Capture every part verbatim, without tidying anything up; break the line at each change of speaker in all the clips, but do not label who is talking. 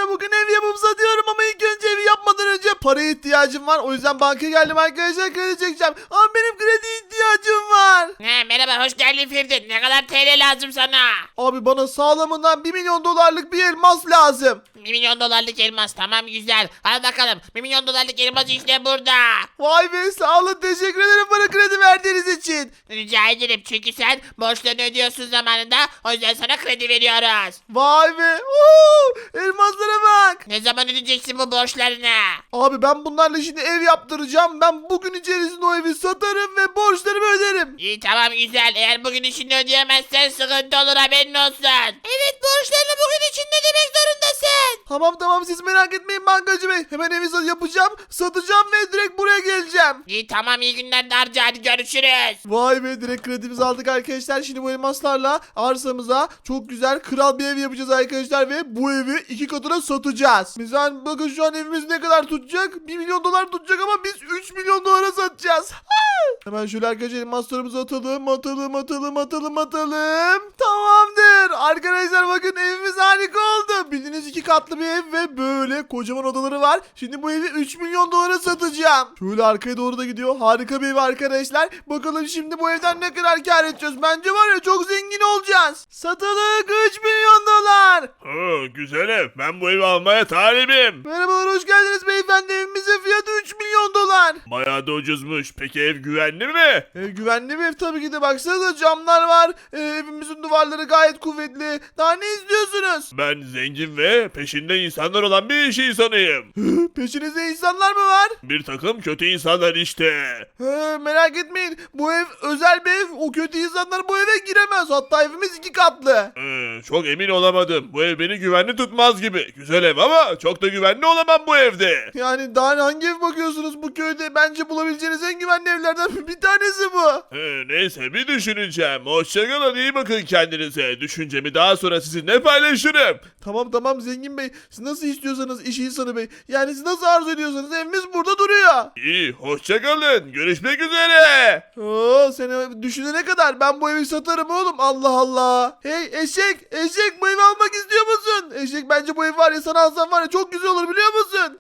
arkadaşlar bugün ev yapıp satıyorum ama ilk önce evi yapmadan önce paraya ihtiyacım var. O yüzden bankaya geldim arkadaşlar, kredi çekeceğim. Ama benim kredi ihtiyacım var.
He, merhaba, hoş geldin Firdin. Ne kadar T L lazım sana?
Abi bana sağlamından bir milyon dolarlık bir elmas lazım.
bir milyon dolarlık elmas, tamam, güzel. Hadi bakalım, bir milyon dolarlık elmas işte burada.
Vay be, sağ olun, teşekkür ederim bana kredi verdiğiniz için.
Rica ederim, çünkü sen borçlarını ödüyorsun zamanında. O yüzden sana kredi veriyoruz.
Vay be, oo, elmaslara bak.
Ne zaman ödeyeceksin bu borçlarını?
Abi ben bunlarla şimdi ev yaptıracağım. Ben bugün içerisinde o evi satarım ve borçlarımı öderim.
İyi, tamam, güzel. Eğer bugün işini ödeyemezsen sıkıntı olur, haberin olsun. Evet, borçlarını bugün içinde ödemek zorundasın.
Tamam tamam, siz merak etmeyin bankacı bey. Hemen evi sa- yapacağım, satacağım ve direkt buraya geleceğim.
İyi, tamam, iyi günler de harca, hadi görüşürüz.
Vay be, direkt kredimizi aldık arkadaşlar. Şimdi bu elmaslarla arsamıza çok güzel kral bir ev yapacağız arkadaşlar ve bu evi iki katına satacağız. Mesela bakın şu an evimiz ne kadar tutacak? bir milyon dolar tutacak ama biz üç milyon dolara satacağız. Hemen şöyle arkadaşlar elmaslarımızı atalım, atalım, atalım, atalım, atalım. Tamamdır. Arkadaşlar bakın evimiz harika oldu. Bildiğiniz iki katlı bir ev ve böyle kocaman odaları var. Şimdi bu evi üç milyon dolara satacağım. Şöyle arkaya doğru da gidiyor. Harika bir ev arkadaşlar. Bakalım şimdi bu evden ne kadar kar edeceğiz. Bence var ya, çok zengin olacağız. Satılık üç milyon dolar.
Ha, güzel ev. Ben bu evi almaya talibim.
Merhabalar, hoş geldiniz beyefendi. Evimizin fiyatı üç milyon dolar.
Bayağı da ucuzmuş. Peki ev güvenli mi?
Ev güvenli bir ev tabii ki de. Baksanıza, camlar var. Ee, evimizin duvarları gayet kuvvetli. Daha ne istiyorsunuz?
Ben zengin ve peşinde insanlar olan bir iş insanıyım.
Peşinizde insanlar mı var?
Bir takım kötü insanlar işte.
He, merak etmeyin. Bu ev özel bir ev. O kötü insanlar bu eve giremez. Hatta evimiz iki katlı.
Ee, çok emin olamadım. Bu ev beni güvenli tutmaz gibi. Güzel ev ama çok da güvenli olamam bu evde.
Yani daha hangi ev bakıyorsunuz bu köyde? Bence bulabileceğiniz en güvenli evlerden bir tanesi bu.
Ee, neyse, bir düşüneceğim. Hoşçakalın, iyi bakın kendinize. Düşüncemi daha sonra sizinle paylaşırım.
Tamam tamam zengin bey. Siz nasıl istiyorsanız iş insanı bey. Yani siz nasıl arzu ediyorsanız evimiz burada duruyor.
İyi, hoşçakalın. Görüşmek üzere.
Oo, seni düşünene kadar ben bu evi satarım oğlum. Allah Allah. Hey eşek, eşek, bu evi almak istiyor musun? Eşek, bence bu ev var ya, sana alsam var ya, çok güzel olur biliyor musun?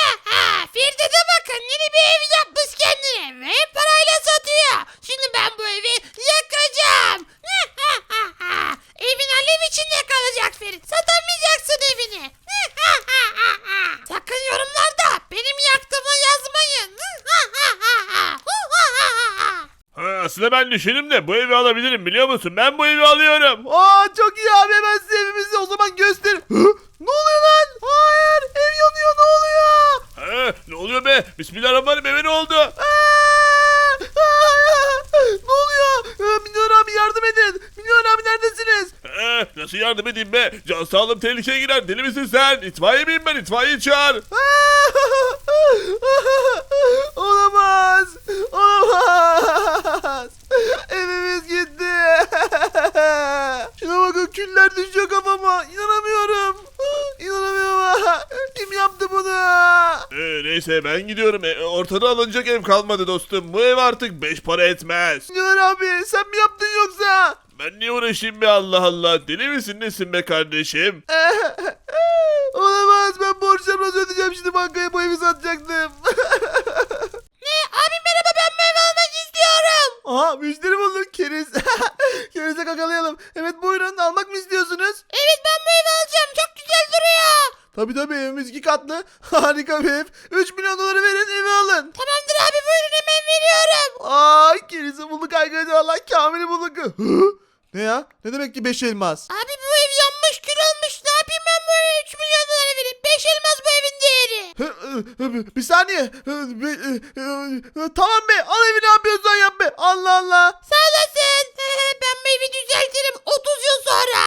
Ha, Firdin'e bakın, yeni bir ev yapmış kendine ve parayla satıyor. Şimdi ben bu evi yakacağım. Evin alev içinde kalacak Ferit. Satamayacaksın evini. Sakın yorumlarda benim yaktığımı yazmayın.
Ha, aslında ben düşündüm de bu evi alabilirim, biliyor musun? Ben bu evi alıyorum.
Aa, çok iyi abi, hemen size evimizi o zaman göster. Hı? Ne oluyor lan? Hayır, ev yanıyor, ne oluyor?
Ha, ne oluyor be? Bismillahirrahmanirrahim, eve ne oldu?
Aa! Aa! Ne oluyor? Ee, Milyon abi, yardım edin. Milyon abi, neredesiniz?
Ha, nasıl yardım edeyim be? Can sağlığım tehlikeye girer. Deli misin sen? İtfaiye miyim ben? İtfaiye çağır.
Olamaz. Olamaz. Evimiz gitti. Şuna bakın, küller düşüyor kafama. İnanamıyorum. İnanamıyorum. Kim yaptı bunu?
Ee, neyse, ben gidiyorum. E, ortada alınacak ev kalmadı dostum. Bu ev artık beş para etmez.
Milyon abi, sen mi yaptın yoksa?
Ben niye uğraşayım be, Allah Allah. Deli misin nesin be kardeşim?
Olamaz, ben borçlarımı nasıl ödeyeceğim şimdi, bankaya bu evi satacaktım.
Ne? Abi merhaba, ben bu evi almak istiyorum.
Aha, müşteri bulduk, keriz. Kerize kakalayalım. Evet, buyurun, almak mı istiyorsunuz?
Evet, ben bu evi alacağım. Çok güzel duruyor.
Tabii tabii, evimiz iki katlı. Harika bir ev. üç milyon doları verin, evi alın.
Tamamdır abi, buyurun, hemen veriyorum.
Ay, kerizi bulduk arkadaşlar. Allah, Kamil'i bulduk. Hı? Ne ya? Ne demek ki beş elmas?
Abi bu ev yanmış, kül olmuş. Ne yapayım ben böyle üç milyon dolara vereyim? beş elmas bu evin değeri.
Hı, hı, hı, Bir saniye. Hı, bir, hı, hı, Tamam be, al evi, ne yapıyorsan yap be. Allah Allah.
Sağ olasın. Ben bu evi düzeltirim otuz yıl sonra.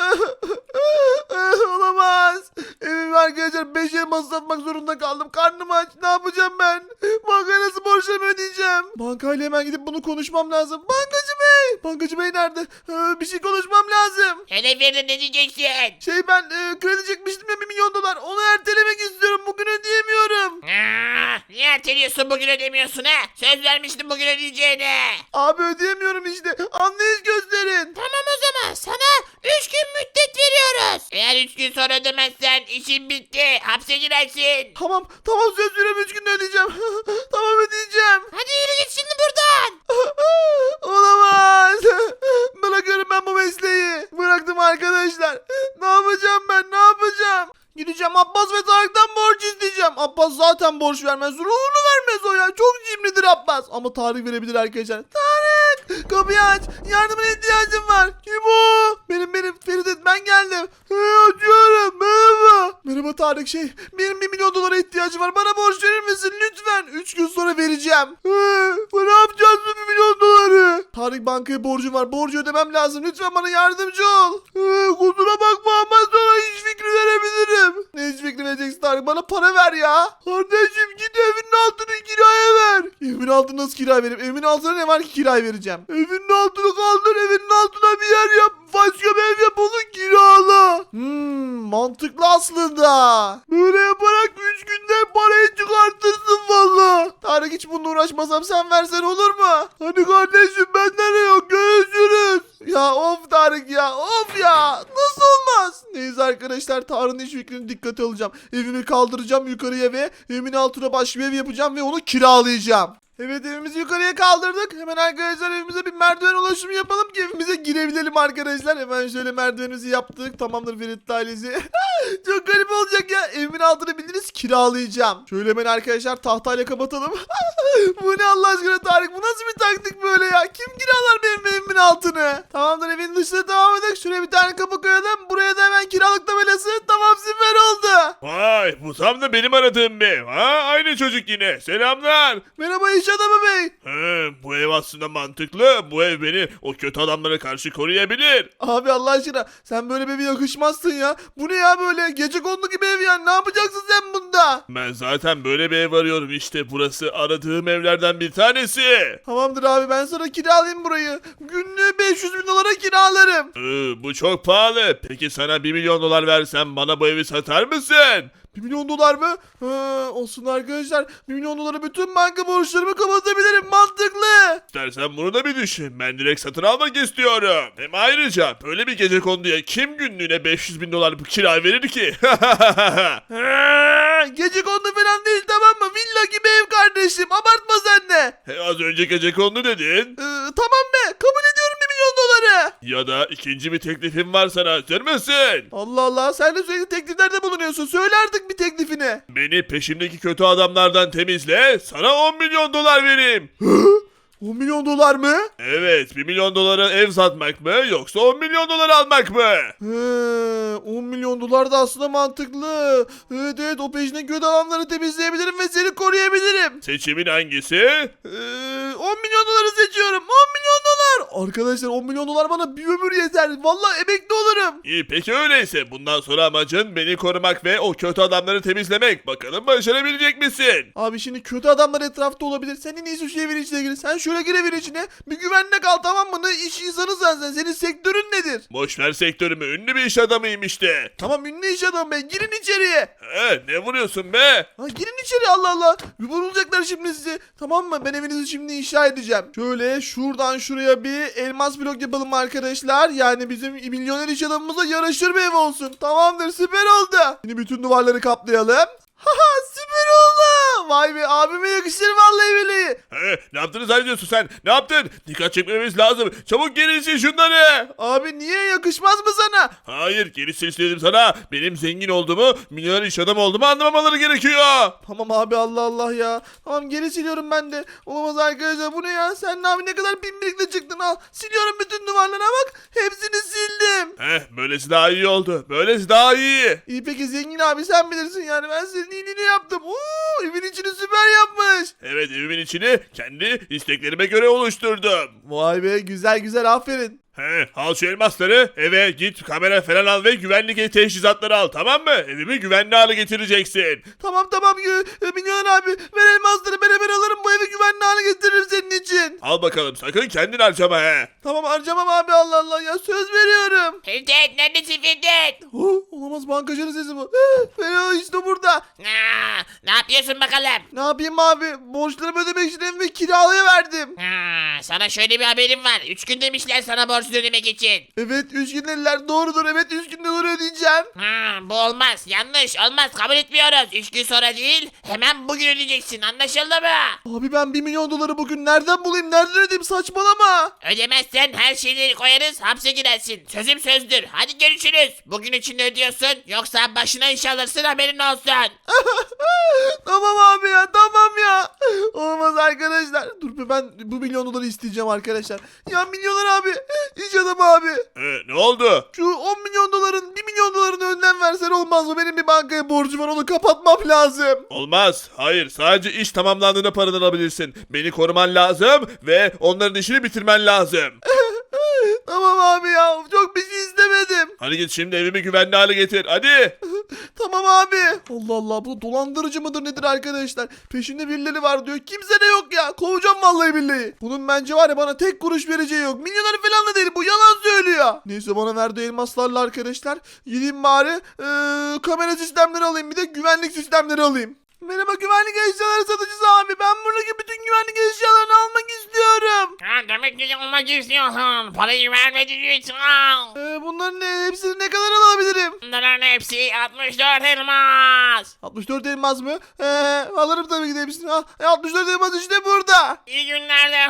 Olamaz. Evimi arkadaşlar beş elmas satmak zorunda kaldım. Karnım aç. Ne yapacağım ben? Bankaya nasıl borçlarımı ödeyeceğim? Bankayla hemen gidip bunu konuşmam lazım. Bankacı bey. Bankacı bey nerede? Ee, bir şey konuşmam lazım.
Hele Firdin, ne diyeceksin?
Şey, ben e, kredi çekmiştim ya, bir milyon dolar. Onu ertelemek istiyorum. Bugün ödeyemiyorum.
Aa, niye erteliyorsun, bugün ödemiyorsun ha? Söz vermiştin bugün ödeyeceğine.
Abi ödeyemiyorum işte. Anlayış gösterin.
Tamam, o zaman sana üç gün müddet veriyorum. veriyoruz. Eğer üç gün sonra ödemezsen işin bitti. Hapse girersin.
Tamam tamam söz veriyorum üç günde ödeyeceğim. Tamam ödeyeceğim.
Hadi yürü git şimdi buradan.
Olamaz. Bırakıyorum ben bu mesleği. Bıraktım arkadaşlar. Ne yapacağım ben ne yapacağım? Gideceğim Abbas ve Tarık'tan borç isteyeceğim. Abbas zaten borç vermez. Ruhunu vermez o ya. Çok cimridir Abbas. Ama Tarık verebilir arkadaşlar. Tarık! Kapıyı aç. Yardımına ihtiyacım var. Kim o? Benim benim Feridun ben geldim. Hey, açıyorum. Merhaba. Merhaba Tarık şey. Benim bir milyon dolara ihtiyacım var. Bana borç verir misin lütfen? Üç gün sonra vereceğim. Hey, ne yapacağız bu bir milyon doları? Tarık bankaya borcum var. Borcu ödemem lazım. Lütfen bana yardımcı ol. Hey, kusura bakma ama sana hiç fikri verebilirim. Ne hiç fikri vereceksin Tarık? Bana para ver ya. Kardeşim git evinin altını kiraya ver. Evimin altını nasıl kiraya vereyim? Evimin altına ne var ki kiraya vereceğim? Evinin altını kaldır. Evinin altına bir yer yap. Başka bir ev yap onu kirala. Hmm, mantıklı aslında. Böyle yaparak üç günde parayı çıkartırsın valla. Tarık hiç bununla uğraşmasam sen versen olur mu? Hadi kardeşim benden de yok. Görüşürüz. Ya of Tarık ya of ya nasıl olmaz? Neyse arkadaşlar Tarık'ın iş fikrini dikkate alacağım. Evimi kaldıracağım yukarıya ve evimin altına başka bir ev yapacağım ve onu kiralayacağım. Evet evimizi yukarıya kaldırdık. Hemen arkadaşlar evimize bir merdiven ulaşımı yapalım ki evimize girebilelim arkadaşlar. Hemen şöyle merdivenimizi yaptık. Tamamdır Ferit ailesi. Çok garip olacak ya. Evimin altını bildiğiniz kiralayacağım. Şöyle hemen arkadaşlar tahtayla kapatalım. Bu ne Allah aşkına Tarık? Bu nasıl bir taktik böyle ya? Kim kiralar benim evimin altını? Tamamdır evin dışına devam edelim. Şuraya bir tane kapı koyalım. Buraya da hemen kiralık tabelası. Tamam süper oldu.
Vay bu tam da benim aradığım bir ev. Ha aynı çocuk yine. Selamlar.
Merhaba iş adamı bey.
He, bu ev aslında mantıklı. Bu ev beni o kötü adamlara karşı koruyabilir.
Abi Allah aşkına sen böyle bir eve yakışmazsın ya. Bu ne ya böyle gecekondu gibi ev ya. Ne yapacaksın sen bunda?
Ben zaten böyle bir ev arıyorum işte. Burası aradığım evlerden bir tanesi.
Tamamdır abi ben sana kiralayayım burayı. Günlüğü beş yüz bin dolara kiralarım.
Ee, bu çok pahalı. Peki sana bir milyon dolar versem bana bu evi satar mısın?
bir milyon dolar mı? Ha, olsun arkadaşlar. bir milyon dolara bütün banka borçlarımı kapatabilirim. Mantıklı.
İstersen bunu da bir düşün. Ben direkt satın almak istiyorum. Hem ayrıca böyle bir gecekonduya kim günlüğüne beş yüz bin dolar bu kira verir ki?
Ha, gecekondu falan değil tamam mı? Villa gibi ev kardeşim. Abartma sen de.
He, az önce gecekondu dedin.
Ee, tamam be. Kabul ediyorum bir milyon doları.
Ya da ikinci bir teklifim var sana. Hazır mısın?
Allah Allah sen de sürekli tekliflerde bulunuyorsun. Söyle artık bir teklifini.
Beni peşimdeki kötü adamlardan temizle. Sana on milyon dolar vereyim.
on milyon dolar mı?
Evet, bir milyon dolara ev satmak mı yoksa on milyon dolar almak mı?
He, on milyon dolar da aslında mantıklı. Evet evet o peşine kötü adamları temizleyebilirim ve seni koruyabilirim.
Seçimin hangisi?
Ee, on milyon doları seçiyorum. on milyon dolar. Arkadaşlar on milyon dolar bana bir ömür yeter. Vallahi emekli olurum.
İyi peki öyleyse. Bundan sonra amacın beni korumak ve o kötü adamları temizlemek. Bakalım başarabilecek misin?
Abi şimdi kötü adamlar etrafta olabilir. Sen en iyisi şu evin içine gir. Sen şöyle gir evin içine. Bir güvenle kal tamam mı? Ne iş insanı sen sen. Senin sektörün nedir?
Boşver sektörümü. Ünlü bir iş adamıyım işte.
Tamam ünlü iş adamı be. Girin içeriye.
He, ne vuruyorsun be?
Ha, girin içeri Allah Allah. Bir vurulacaklar şimdi sizi. Tamam mı? Ben evinizi şimdi inşa edeceğim. Şöyle şuradan şuraya bir elmas blok yapalım arkadaşlar. Yani bizim milyoner iş adamımıza yaraşır bir ev olsun. Tamamdır süper oldu. Şimdi bütün duvarları kaplayalım. Haha süper oldu. Vay be abime yakışır vallahi billahi.
He, ne yaptığını zannediyorsun sen? Ne yaptın? Dikkat çekmemiz lazım. Çabuk geri sil şunları.
Abi niye yakışmaz mı sana?
Hayır geri sil dedim sana. Benim zengin olduğumu, milyoner iş adamı olduğumu anlamamaları gerekiyor.
Tamam abi Allah Allah ya. Tamam geri siliyorum ben de. Olamaz arkadaşlar bu ne ya? Sen abi ne kadar pimpirikle çıktın al. Siliyorum bütün duvarlara bak. Hepsini sildim.
Heh, böylesi daha iyi oldu. Böylesi daha iyi.
İyi peki zengin abi sen bilirsin yani. Ben senin iyiliğini yaptım. Oo, evin içini süper yapmış.
Evet evimin içini kendi isteklerime göre oluşturdum.
Vay be güzel güzel aferin.
He, al şu elmasları, eve git kamera falan al ve güvenlik teçhizatları al, tamam mı? Evimi güvenli hale getireceksin.
Tamam tamam e, milyoner abi ver elmasları ben hemen alırım bu evi güvenli hale getiririm senin için.
Al bakalım, sakın kendin harcama he.
Tamam harcamam abi Allah Allah ya söz veriyorum.
Ferit neredesin Ferit?
Oh, olamaz bankacının sesi bu. Fero işte burada.
Aa, ne yapıyorsun bakalım?
Ne yapayım abi borçlarımı ödemek için evimi kiralaya verdim.
Aa, sana şöyle bir haberim var. Üç gün demişler sana borç borcunu ödemek için.
Evet üç gün dediler, doğrudur, evet üç günde doğru ödeyeceğim.
Ha, bu olmaz. Yanlış. Olmaz. Kabul etmiyoruz. üç gün sonra değil. Hemen bugün ödeyeceksin. Anlaşıldı mı?
Abi ben bir milyon doları bugün nereden bulayım, nereden ödeyeyim, saçmalama.
Ödemezsen her şeyleri koyarız. Hapse girersin. Sözüm sözdür. Hadi görüşürüz. Bugün içinde ödüyorsun. Yoksa başına iş alırsın, haberin olsun.
Tamam abi ya, tamam ya. Olmaz arkadaşlar. Dur be, ben bu milyon doları isteyeceğim arkadaşlar. Ya milyoner abi, iş adamı abi.
Ee, ne oldu?
Şu on milyon doların, bir milyon dolarını önden versen olmaz mı? Benim bir bankaya borcum var, onu kapatmam lazım.
Olmaz. Hayır. Sadece iş tamamlandığında paranı alabilirsin. Beni koruman lazım ve onların işini bitirmen lazım.
Tamam abi ya, çok bir şey istemedim.
Hadi git şimdi evimi güvenli hale getir. Hadi.
Tamam abi. Allah Allah, bu dolandırıcı mıdır nedir arkadaşlar? Peşinde birileri var diyor. Kimse de yok ya. Kovacağım vallahi billahi. Bunun bence var ya, bana tek kuruş vereceği yok. Milyoner falan da değil, bu yalan söylüyor. Neyse, bana verdiği elmaslarla arkadaşlar gideyim bari ee, kamera sistemleri alayım, bir de güvenlik sistemleri alayım. Merhaba güvenlik eşyaları satıcısı abi. Ben buradaki bütün güvenlik eşyalarını almak istiyorum.
Ha, demek ki olmak istiyorsun. Parayı vermediğin
Ee, bunların ne, hepsini ne kadar alabilirim?
Bunların hepsi altmış dört elmas.
altmış dört elmas mı? Ee, alırım tabii ki de hepsini. Ha, e, altmış dört elmas işte burada.
İyi günlerde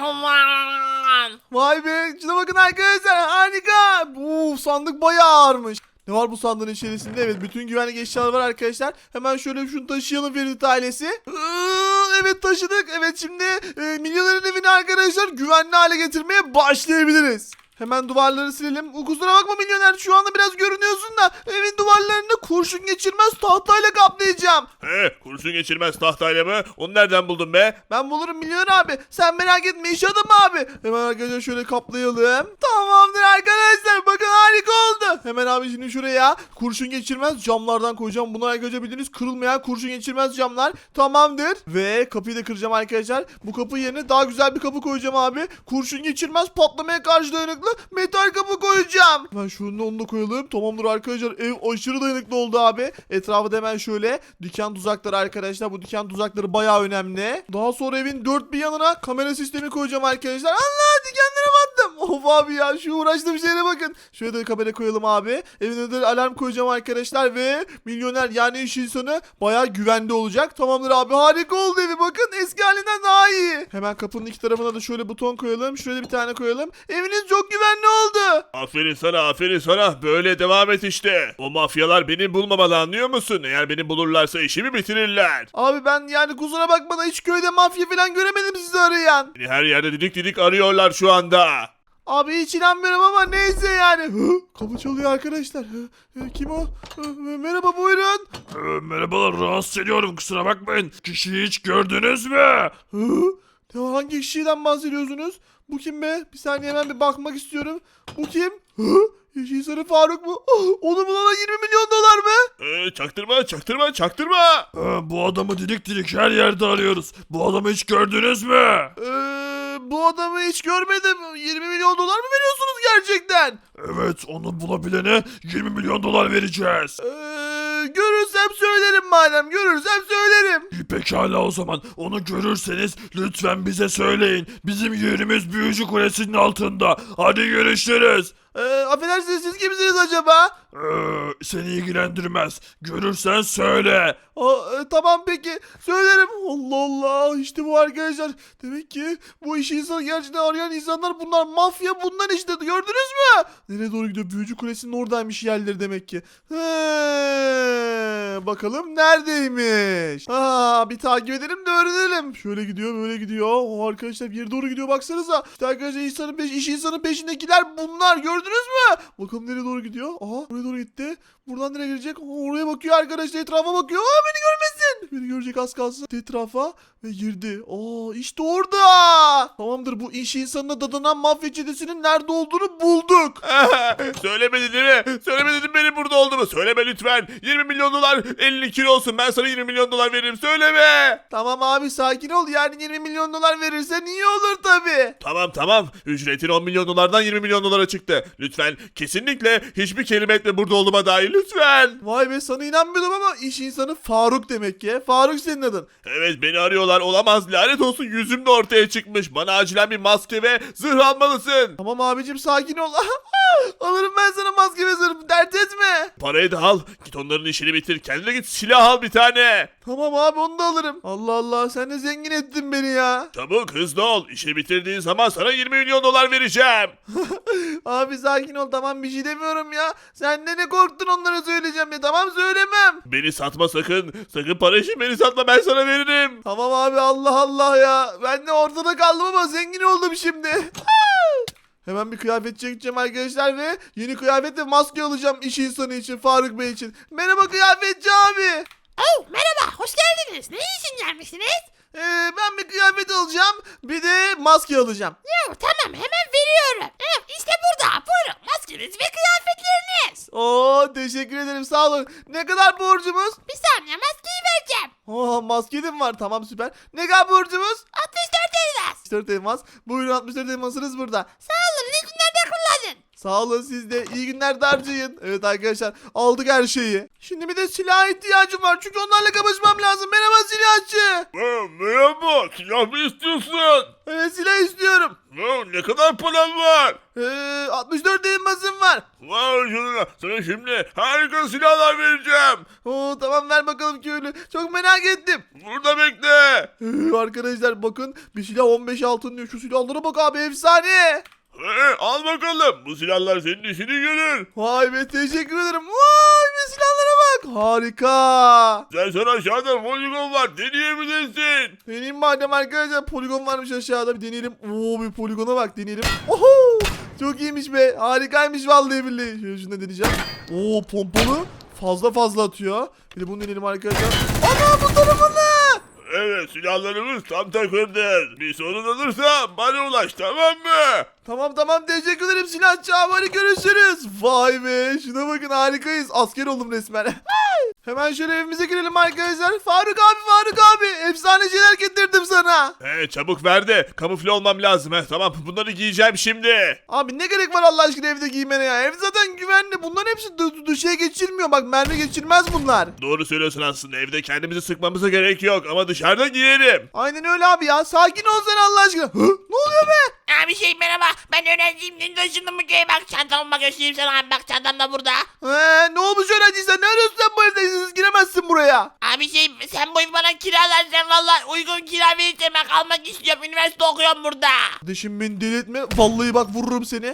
Human.
Vay be, şuna bakın arkadaşlar, harika. Bu sandık bayağı ağırmış. Ne var bu sandığın içerisinde? Evet, bütün güvenlik eşyaları var arkadaşlar. Hemen şöyle şunu taşıyalım Ferit ailesi. Iıı, Evet taşıdık. Evet, şimdi e, milyonerin evini arkadaşlar güvenli hale getirmeye başlayabiliriz. Hemen duvarları silelim. Kusura bakma milyoner, şu anda biraz görünüyorsun da evin duvarlarını kurşun geçirmez tahtayla kaplayacağım.
He, kurşun geçirmez tahtayla mı? Onu nereden buldun be?
Ben bulurum milyoner abi. Sen merak etme, iş adamı abi. Hemen arkadaşlar şöyle kaplayalım. Tamamdır arkadaşlar. Bakın harika oldu. Hemen abi şimdi şuraya kurşun geçirmez camlardan koyacağım. Bunlar arkadaşlar bildiğiniz kırılmayan kurşun geçirmez camlar. Tamamdır. Ve kapıyı da kıracağım arkadaşlar. Bu kapı yerine daha güzel bir kapı koyacağım abi. Kurşun geçirmez, patlamaya karşı dayanıklı metal kapı koyacağım. Hemen şunu onu da koyalım. Tamamdır arkadaşlar. Ev aşırı dayanıklı oldu abi. Etrafı da hemen şöyle diken tuzakları arkadaşlar. Bu diken tuzakları bayağı önemli. Daha sonra evin dört bir yanına kamera sistemi koyacağım arkadaşlar. Allah, dikenlere battım. Of abi ya, şu uğraştığım şeylere bakın. Şöyle de kamera koyalım abi. Evin önüne alarm koyacağım arkadaşlar ve milyoner yani iş insanı bayağı güvende olacak. Tamamdır abi, harika oldu evi. Bakın eski halinden daha iyi. Hemen kapının iki tarafına da şöyle buton koyalım. Şuraya bir tane koyalım. Eviniz çok güvenli oldu.
Aferin sana, aferin sana. Böyle devam et işte. O mafyalar beni bulmamalı, anlıyor musun? Eğer beni bulurlarsa işimi bitirirler.
Abi ben yani kusura bakma da hiç köyde mafya falan göremedim sizi arayan.
Beni her yerde didik didik arıyorlar şu anda.
Abi hiç inanmıyorum ama neyse yani. Hı? Kapı çalıyor arkadaşlar. Hı? Hı, kim o? Hı, merhaba, buyurun.
Ee, merhabalar, rahatsız ediyorum, kusura bakmayın. Kişiyi hiç gördünüz mü?
Hı? Ya hangi kişiden bahsediyorsunuz? Bu kim be? Bir saniye, hemen bir bakmak istiyorum. Bu kim? Hı? Yeşil Sarı Faruk mu? Oh, onu bulana yirmi milyon dolar mı?
Ee, çaktırma, çaktırma, çaktırma. Ee, bu adamı didik didik her yerde arıyoruz. Bu adamı hiç gördünüz mü?
Ee, bu adamı hiç görmedim. yirmi milyon dolar mı veriyorsunuz gerçekten?
Evet, onu bulabilene yirmi milyon dolar vereceğiz.
Ee, görürsem söylerim madem. Görürsem söylerim.
İyi, pekala o zaman. Onu görürseniz lütfen bize söyleyin. Bizim yerimiz Büyücü Kulesi'nin altında. Hadi görüşürüz.
Ee, affedersiniz, siz kimsiniz acaba?
Ee, seni ilgilendirmez. Görürsen söyle.
Aa, e, tamam peki, söylerim. Allah Allah, işte bu arkadaşlar. Demek ki bu işi insanı gerçekten arayan insanlar bunlar, mafya bunlar işte, gördünüz mü? Nereye doğru gidiyor? Büyücü Kulesi'nin oradaymış yerleri demek ki. He, bakalım neredeymiş? Ha, bir takip edelim de öğrenelim. Şöyle gidiyor, böyle gidiyor. O arkadaşlar bir yere doğru gidiyor, baksanıza. İşte arkadaşlar insanın peş, iş insanın peşindekiler bunlar, gördünüz mü? Bakalım nereye doğru gidiyor? Aha, buraya doğru gitti. Buradan nereye girecek? Aa, oraya bakıyor arkadaşlar, etrafa bakıyor. Aa, beni görmesin. Beni görecek az kalsın. Etrafa ve girdi. Aa, işte orada. Tamamdır, bu iş insanına dadanan mafya çetesinin nerede olduğunu bulduk.
Söylemedi değil mi? Söylemedin benim burada olduğumu. Söyleme lütfen. yirmi milyon dolar elli kilo olsun. Ben sana yirmi milyon dolar veririm. Söyleme.
Tamam abi, sakin ol. Yani yirmi milyon dolar verirsen iyi olur tabii.
Tamam tamam. Ücretin on milyon dolardan yirmi milyon dolara çıktı. Lütfen kesinlikle hiçbir kelime etme burada olduğuma dair lütfen.
Vay be, sana inanmıyordum ama iş insanı Faruk demek ki. işte. Faruk senin adın.
Evet beni arıyorlar olamaz lanet olsun yüzüm de ortaya çıkmış. Bana acilen bir maske ve zırh almalısın.
Tamam abicim sakin ol. Alırım ben sana maske ve zırh. Dert etme.
Parayı da al git onların işini bitir kendine git silah al bir tane.
Tamam abi onu da alırım. Allah Allah sen de zengin ettin beni ya.
Çabuk hızlı ol işi bitirdiğin zaman sana yirmi milyon dolar vereceğim.
Abi sakin ol tamam bir şey demiyorum ya. Sen de ne korktun onlara söyleyeceğim ya. Tamam söylemem.
Beni satma sakın sakın para için beni satma ben sana veririm.
Tamam abi Allah Allah ya. Ben de ortada kaldım ama zengin oldum şimdi. Hemen bir kıyafetçiye gideceğim arkadaşlar ve yeni kıyafet ve maske alacağım iş insanı için, Faruk Bey için. Merhaba kıyafetçi abi.
Oh merhaba hoş geldiniz. Ne için gelmişsiniz?
Ee, ben bir kıyafet alacağım bir de maske alacağım.
Yo, tamam hemen veriyorum. Evet, işte burada buyurun maskeniz ve kıyafetleriniz.
Oo teşekkür ederim sağ olun. Ne kadar borcumuz?
Bir saniye maskeyi vereceğim.
Oo maske de mi var? Tamam süper. Ne kadar borcumuz?
altmış dört elmas.
altmış dört elmas. Buyurun altmış dört elmasınız burada.
Sağ olun iyi günlerde kullanın.
Sağ olun siz de. İyi günler de harcayın. Evet arkadaşlar aldık her şeyi. Şimdi bir de silaha ihtiyacım var. Çünkü onlarla kapışmam lazım. Merhaba silahçı.
Ha, merhaba silah mı istiyorsun?
Evet silah istiyorum.
Ha, ne kadar paran var?
Ee, altmış dört elmasım var.
Vay canına sana şimdi harika silahlar vereceğim.
Oo tamam ver bakalım köylü. Çok merak ettim.
Burada bekle.
Ee, arkadaşlar bakın bir silah on beş altın diyor. Şu silahlara bak abi efsane.
He, al bakalım bu silahlar senin işini görür.
Vay be teşekkür ederim. Vay be silahlara bak. Harika.
Sen sana aşağıda poligon var deneyebilirsin.
Deneyim madem arkadaşlar poligon varmış aşağıda bir deneyelim. Oo bir poligona bak deneyelim. Oho çok iyiymiş be harikaymış vallahi billahi. Şöyle şunu da deneyeceğim. Oo pompalı fazla fazla atıyor. Bir de bunu deneyelim arkadaşlar. Ana bu tarafı ne?
Evet silahlarımız tam takırdır. Bir sorun olursa bana ulaş tamam mı?
Tamam tamam teşekkür ederim silahçı abi hadi görüşürüz. Vay be şuna bakın harikayız. Asker oldum resmen. Hemen şöyle evimize girelim arkadaşlar. Faruk abi Faruk abi efsane şeyler getirdim sana.
He çabuk ver de kamufle olmam lazım. He, tamam bunları giyeceğim şimdi.
Abi ne gerek var Allah aşkına evde giymene ya. Ev zaten güvenli. Bunların hepsi dı- dışarı geçirmiyor. Bak mermi geçirmez bunlar.
Doğru söylüyorsun aslında evde kendimizi sıkmamıza gerek yok ama dışarıda giyerim.
Aynen öyle abi ya. Sakin ol sen Allah aşkına. Hı? Ne oluyor be?
Abi şey merhaba ben öğrenciyim dün taşındım bu köye bak çantamı göstereyim sana abi bak çantam da burada.
Ee, ne olmuş öğrenciysen? Ne arıyorsun sen bu evde? İzinsiz giremezsin buraya.
Abi şey sen bu evi bana kiralarsan valla uygun kira verirsen ben kalmak istiyorum üniversite okuyorum burada.
Kardeşim beni deli etme. Vallahi bak vururum seni.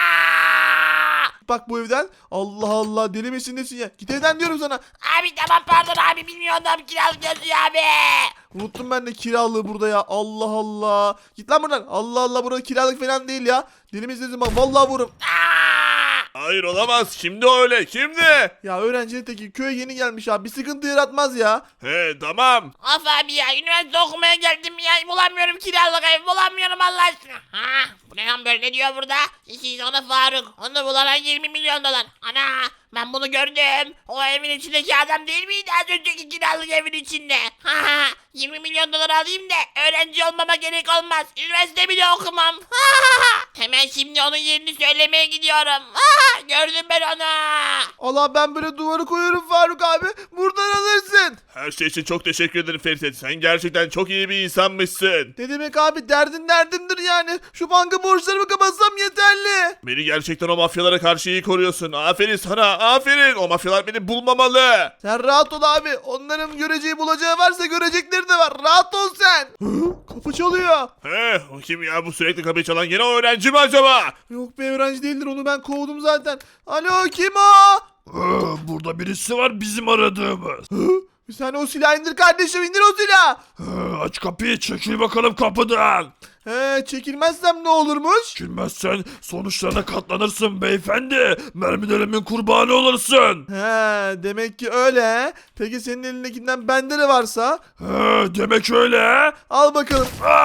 Aa!
Bak bu evden. Allah Allah deli misin nesin ya? Git evden diyorum sana.
Abi tamam pardon abi bilmiyordum kiralık yazıyor abi.
Unuttum ben de kiralığı burada ya. Allah Allah. Git lan buradan. Allah Allah burada kiralık falan değil ya. Deli misin nesin bak. Vallahi vururum.
Aa!
Hayır olamaz şimdi öyle şimdi.
Ya öğrencinin teki köye yeni gelmiş abi. Bir sıkıntı yaratmaz ya.
He tamam.
Of abi ya üniversite okumaya geldim ya bulamıyorum kiralık ev bulamıyorum Allah aşkına. Ha, bu ne lan böyle ne diyor burada? İki sonra Faruk onu bulana yirmi milyon dolar. Ana ben bunu gördüm. O evin içindeki adam değil miydi az önceki kiralık evin içinde? Ha ha yirmi milyon dolar alayım da öğrenci olmama gerek olmaz. Üniversite bile okumam. Ha ha ha. Hemen şimdi onun yerini söylemeye gidiyorum. Ha ha gördüm ben onu.
Allah ben böyle duvarı koyuyorum Faruk abi. Buradan alırsın.
Her şey için çok teşekkür ederim Ferit. Sen gerçekten çok iyi bir insanmışsın.
Ne demek abi derdin derdimdir yani. Şu banka borçlarımı kapatsam yeterli.
Beni gerçekten o mafyalara karşı iyi koruyorsun. Aferin sana aferin. O mafyalar beni bulmamalı.
Sen rahat ol abi. Onların göreceği bulacağı varsa görecekleri de var. Rahat ol sen. Hı? Kapı çalıyor.
He o kim ya bu sürekli kapıyı çalan gene o öğrenci mi acaba?
Yok be öğrenci değildir onu ben kovdum zaten. Alo kim o?
Ee, Burada birisi var bizim aradığımız.
Hı? Sen o silahı indir kardeşim indir o silahı.
Ee, Aç kapıyı çekil bakalım kapıdan.
He çekilmezsem ne olurmuş?
Çekilmezsen sonuçlarına katlanırsın beyefendi. Mermilerimin kurbanı olursun.
He demek ki öyle he. Peki senin elindekinden bende de varsa?
Ee, Demek öyle.
Al bakalım.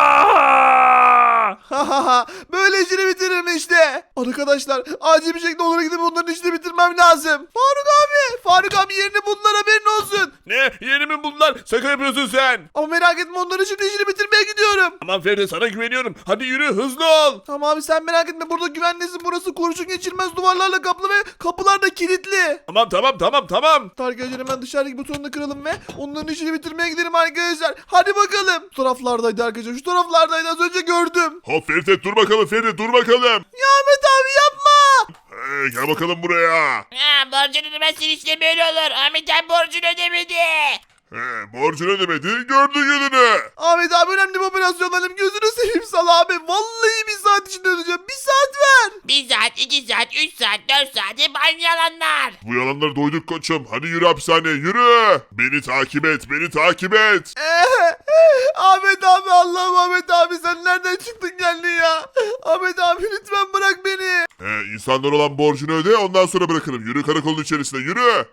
Aa!
Hahaha böyle işini bitiririm işte. Arkadaşlar acil bir şekilde onlara gidip onların işini bitirmem lazım. Faruk abi. Faruk abi yerini bunlar haberin olsun.
Ne Yerimi buldular. Şaka yapıyorsun sen.
Ama merak etme, onların şimdi işini bitirmeye gidiyorum.
Tamam Feride, sana güveniyorum. Hadi yürü, hızlı ol.
Tamam abi, sen merak etme, burada güvendesin. Burası kurşun geçirmez duvarlarla kaplı ve kapılar da kilitli.
Tamam tamam tamam tamam.
Arkadaşlar hemen dışarıdaki butonunu kıralım ve onların işini bitirmeye gidelim arkadaşlar. Hadi bakalım. Şu taraflardaydı arkadaşlar. Şu taraflardaydı, az önce gördüm.
Hop Feride, dur bakalım Feride, dur bakalım.
Ya Ahmet abi yapma.
Ee, gel bakalım buraya.
Ha, borcunu ödemezsin işte böyle olur. Ahmet abi borcunu ödemedi.
He, borcunu ödemedi, gördü gününü.
Ahmet abi, önemli bir operasyonlarım. Gözünü seveyim sal abi. Vallahi bir saat içinde ödeyeceğim. Bir saat ver.
Bir saat, iki saat, üç saat, dört saat hep aynı yalanlar.
Bu yalanları doyduk koçum. Hadi yürü hapishaneye, yürü. Beni takip et, beni takip et.
Ee, Ahmet abi, Allah'ım Ahmet abi, sen nereden çıktın geldin ya? Ahmet abi lütfen bırak beni.
He, insanlar olan borcunu öde, ondan sonra bırakırım. Yürü karakolun içerisine, yürü.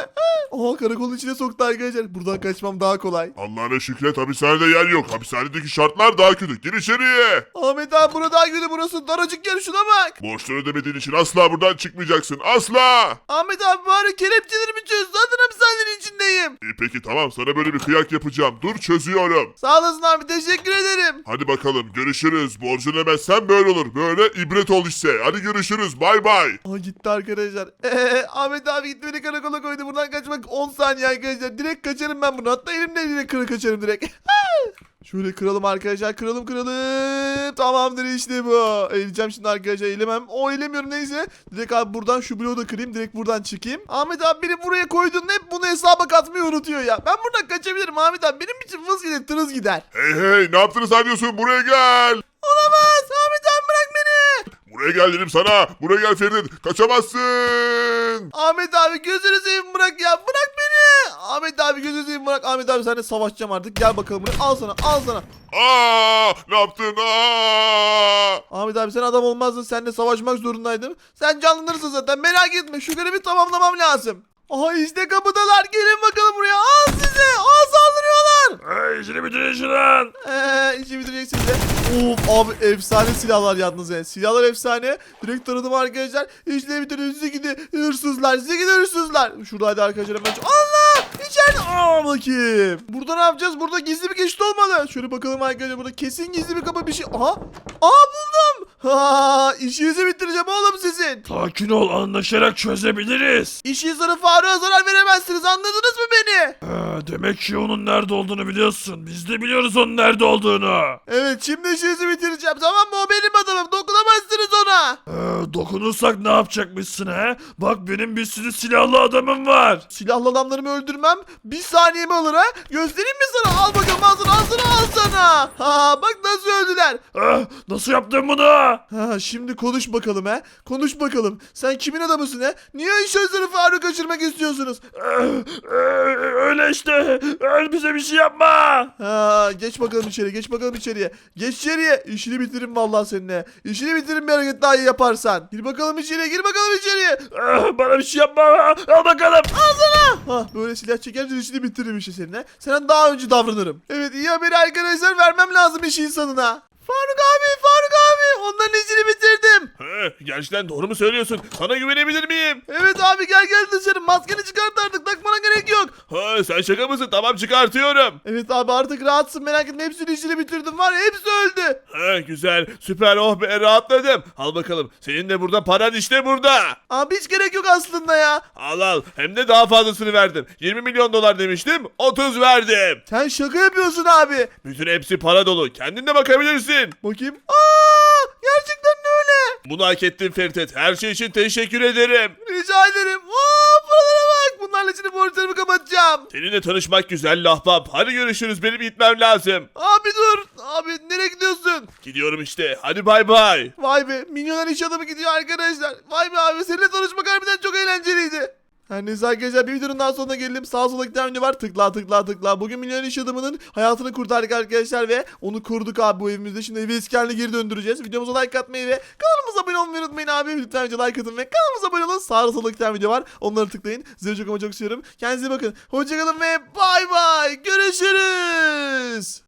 Oha, karakolun içine soktu arkadaşlar. Buradan kaçmam daha kolay.
Allah'ına şükret, hapishanede yer yok. Hapishanedeki şartlar daha kötü. Gir içeriye.
Ahmet abi, burada daha kötü, burası daracık yer, şuna bak.
Borçları ödemediğin için asla buradan çıkmayacaksın. Asla.
Ahmet abi, bari kelepçelerimi çöz. Zaten hapishanenin içindeyim.
İyi peki tamam, sana böyle bir kıyak yapacağım. Dur, çözüyorum.
Sağ olasın abi, teşekkür ederim.
Hadi bakalım, görüşürüz. Borcunu ödemezsen böyle olur. Böyle ibret ol işte. Hadi görüşürüz. Bay bay.
Aa, gitti arkadaşlar. Ee, Ahmet abi gitti, beni karakola koydu. Buradan kaçmak on saniye arkadaşlar. Direkt kaçarım ben bunu. Hatta elimle direkt kırı kaçarım direkt. Şöyle kıralım arkadaşlar. Kıralım kıralım. Tamamdır, işte bu. Eğileceğim şimdi arkadaşlar. Eğilemem. O eğilemiyorum, neyse. Direkt abi buradan şu bloğu da kırayım. Direkt buradan çıkayım. Ahmet abi, beni buraya koydun. Hep bunu hesaba katmayı unutuyor ya. Ben buradan kaçabilirim Ahmet abi. Benim için vız gider, tırız gider.
Hey hey, ne yaptığını sanıyorsun? Buraya gel.
Olamaz. Ahmet abi, bırak beni.
Buraya gel dedim sana. Buraya gel Ferit. Kaçamazsın.
Ahmet abi, gözünü seveyim, bırak ya. Bırak beni. Ahmet abi, gözünü seveyim, bırak. Ahmet abi, seninle savaşacağım artık. Gel bakalım buraya. Al sana, al sana.
Aa, ne yaptın? Aa!
Ahmet abi, sen adam olmazdın. Seninle savaşmak zorundaydım. Sen canlanırsın zaten, merak etme. Şu görevi tamamlamam lazım. Aha, işte kapıdalar. Gelin bakalım buraya. Al size. Al, saldırıyorlar.
Hey, işini bitirin şunun.
Eee işi bitireceksin de. Of abi, efsane silahlar yalnız ya. Silahlar efsane. Direkt tanıdım arkadaşlar. İşleri bitirdim. Size gidi hırsızlar. Size gidi hırsızlar. Şuradaydı arkadaşlar hemen. Allah! İçeride. Aa, bakayım. Burada ne yapacağız? Burada gizli bir geçit olmalı. Şöyle bakalım arkadaşlar. Burada kesin gizli bir kapı, bir şey. Aha. Aa, buldum. Ha, işinizi bitireceğim oğlum sizin.
Sakin ol, anlaşarak çözebiliriz.
İşin sana Faruk'a zarar veremezsiniz. Anladınız mı beni?
Ha, demek ki onun nerede olduğunu biliyorsun. Biz de biliyoruz onun nerede olduğunu.
Evet, şimdi işinizi bitireceğim. Tamam mı? O benim adamım. Dokunamazsınız ona.
Ee, dokunursak ne yapacakmışsın he? Bak, benim bir sürü silahlı adamım var.
Silahlı adamlarımı öldürmem bir saniyemi alır ha. Göstereyim mi sana? Al bakalım, al sana, al sana, al sana. Ha, bak nasıl öldüler.
Ah, nasıl yaptın bunu?
Ha, şimdi konuş bakalım ha. Konuş bakalım. Sen kimin adamısın ha? Niye sözleri Faruk kaçırmak istiyorsunuz?
Ee, e, öyle işte. Öyle, bize bir şey yapma.
Ha, geç bakalım içeri, geç bakalım içeriye. Geç içeriye. İşini bitiririm vallahi seninle. İşini bitiririm bir hareket daha iyi yaparsan. Gir bakalım içeriye, gir bakalım içeriye.
Ah, bana bir şey yapma. Al bakalım.
Ha, böyle silah çekerce işini bitiririm işte seninle. Senden daha önce davranırım. Evet, iyi haberi arkadaşlar, vermem lazım iş insanına. Faruk abi, Faruk abi, onların işini bitirdim.
He, gerçekten doğru mu söylüyorsun? Sana güvenebilir miyim?
Evet abi, gel gel dışarı, maskeni çıkart artık, takmana gerek yok.
Ha, sen şaka mısın? Tamam, çıkartıyorum.
Evet abi, artık rahatsın, merak etme, hepsinin işini bitirdim, var ya, hepsi öldü.
He, güzel, süper, oh be, rahatladım. Al bakalım, senin de burada paran işte burada.
Abi hiç gerek yok aslında ya.
Al al, hem de daha fazlasını verdim. yirmi milyon dolar demiştim, otuz verdim.
Sen şaka yapıyorsun abi.
Bütün hepsi para dolu, kendin de bakabilirsin.
Bakayım. Aa, gerçekten de öyle.
Bunu hak ettin Fertet, her şey için teşekkür ederim.
Rica ederim. Aa, paralara bak. Bunlarla şimdi borçlarımı kapatacağım.
Seninle tanışmak güzel lahbap. Hadi görüşürüz, benim gitmem lazım.
Abi dur. Abi nereye gidiyorsun?
Gidiyorum işte, hadi bay bay.
Vay be, milyoner iş adamı gidiyor arkadaşlar. Vay be abi, seninle tanışmak harbiden çok eğlenceliydi. Her neyse arkadaşlar, bir videonun daha sonuna gelelim. Sağ sola giden video var. Tıkla tıkla tıkla. Bugün milyoner iş adamının hayatını kurtardık arkadaşlar ve onu kurduk abi bu evimizde. Şimdi evi eski haline geri döndüreceğiz. Videomuza like atmayı ve kanalımıza abone olmayı unutmayın abi. Lütfen video like atın ve kanalımıza abone olun. Sağ sola giden video var. Onları tıklayın. Sizi çok ama çok seviyorum. Kendinize iyi bakın. Hoşçakalın ve bay bay. Görüşürüz.